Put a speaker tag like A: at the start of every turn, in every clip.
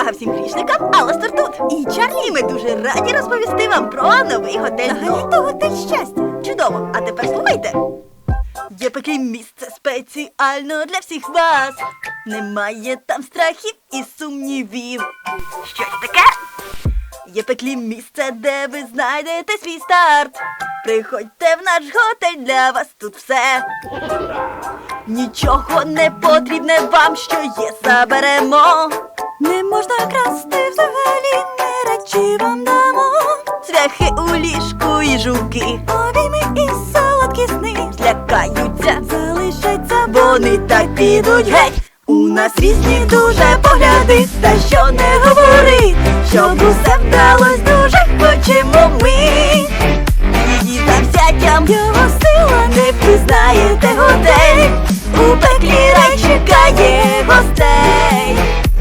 A: Увага всім грішникам, Аластер тут! І Чарлі, і ми дуже раді розповісти вам про новий готель. Взагалі-то готель щастя. Чудово, а тепер слухайте. Є таке місце спеціально для всіх вас. Немає там страхів і сумнівів. Що це таке? Є пеклі місце, де ви знайдете свій старт. Приходьте в наш готель, для вас тут все. Нічого не потрібне вам, що є, заберемо. Не можна красти взагалі, не речі вам дамо. Цвяхи у ліжку і жуки, обійми і солодкі сни. Злякаються, залишаться, вони так підуть геть. У нас різні дуже погляди, та що не говори, щоб усе вдалось, дуже хочемо ми. Її завзяттям, його сила, не впізнаєте готель. У пеклі рай чекає гостей.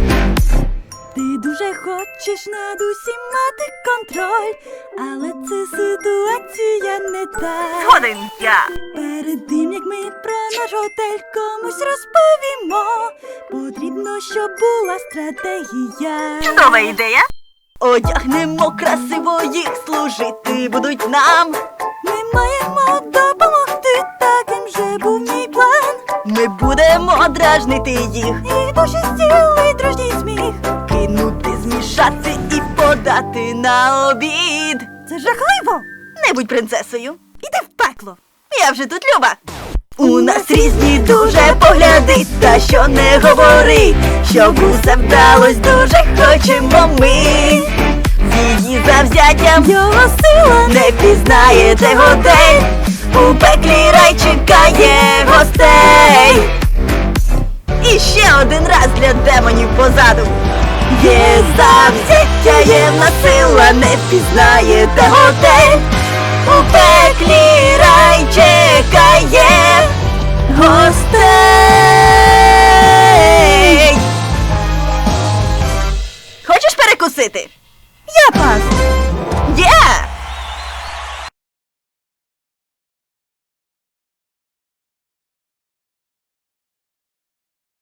A: Ти дуже хочеш над усім мати контроль, але це ситуація не та.
B: Згоден я.
A: Перед тим, як ми про наш готель комусь розповімо, потрібно, щоб була стратегія.
B: Чудова ідея.
A: Одягнемо красиво, їх служити будуть нам. Ми маємо допомогти, таким же був мій план. Ми будемо дражнити їх, і душі стілий дружній сміх. Кинути, змішати і подати на обід. Це жахливо! Не будь принцесою, іди в пекло. Я вже тут, Люба. У нас різні дуже погляди, та що не говори, щоб усе вдалось, дуже хочемо ми. Її завзяттям, його сила, не впізнаєте готель. У пеклі рай чекає гостей. І ще один раз для демонів позаду. Є завзяття, є в нас сила, не впізнаєте готель. У пеклі рай чекає гостей. Хочеш перекусити?